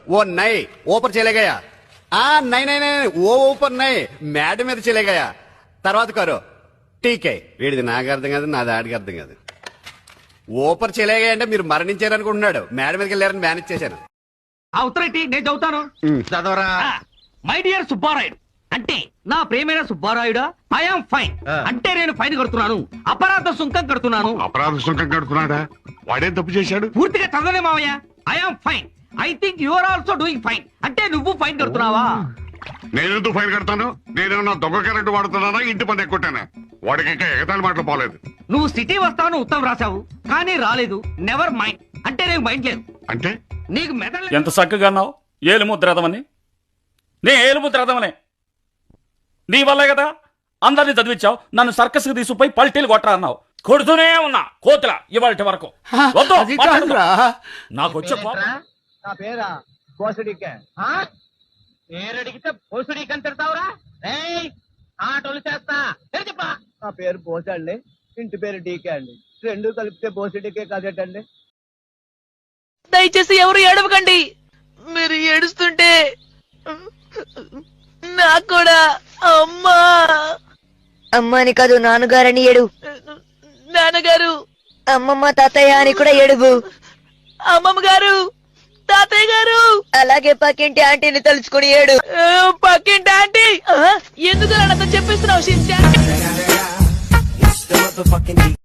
वो नए ऊपर चले गया नहीं नहीं नहीं वो ऊपर नहीं మేడ మీద चले गया తర్వాత करो ठीक है వీడిది నాకు అర్థం కాదు నాది ఆడికి అర్థం కాదు ఊపర్ चले गया అంటే మీరు మరణించారనుకుంటున్నాడు మేడ మీదకి వెళ్ళారని మేనేజ్ చేశాను ఆ ఉత్తరేటి నేను చదువుతాను చదవరా. మై డియర్ సుబ్బారాయుడు అంటే నా ప్రేమైన సుబ్బారాయుడా ఐఎమ్ ఫైన్ అంటే నేను ఫైన్ కడుతున్నాను అపరాధ సుంకం కడుతున్నాను. అపరాధ సుంకం కడుతున్నాడా? వాడేం తప్పు చేశాడు? పూర్తిగా చదవలే మావయ్య. I'm fine I think you are also doing fine అంటే నువ్వు ఫైన్ కడుతున్నావా? నేనెందుకు ఫైన్ కడతాను? నేనేమన్నా దొంగ కరెంట్ వాడుతున్నానా, ఇంటి పని ఎక్కుంటానా? వాడికి ఇంకా ఎగతాళి మాటలు పోలేదు. నువ్వు సిటీ వస్తావని ఉత్తరం రాశావు కానీ రాలేదు. నెవర్ మైండ్ అంటే నీకు మైండ్ లేదు. అంటే నీకు మెదడు ఎంత చక్కగా అన్నావు. ఏలుముద్రదమని నే ఏలుముద్రదమనే నీ వల్లే కదా అందరినీ చదివించావు. నన్ను సర్కస్ కి తీసుకుపోయి పల్టీలు కొట్టరా అన్నావు. కొడుతూనే ఉన్నా కోతుల ఇవాళ వరకు. వద్దు, నాకు వచ్చే నా పేరా బోసుడికే. పేరడిగితే బోసుడికి అని తిడతావురా? ఆటోలు చేస్తా చెప్పా. నా పేరు బోసే అండి, ఇంటి పేరు డీకే అండి. రెండు కలిపితే బోసుడికే కదేటండి. దయచేసి ఎవరు ఏడవకండి. మీరు ఏడుస్తుంటే నాకు కూడా అమ్మా అమ్మాని కాదు నాన్నగారని ఏడు. నాన్నగారు అమ్మమ్మ తాతయ్య అని కూడా ఏడువు. అమ్మమ్మ గారు తాతయ్య గారు అలాగే పక్కింటి ఆంటీని తలుచుకుని ఏడు. పక్కింటి ఆంటీ ఎందుకు నాన్నతో చెప్పిస్తున్నావు?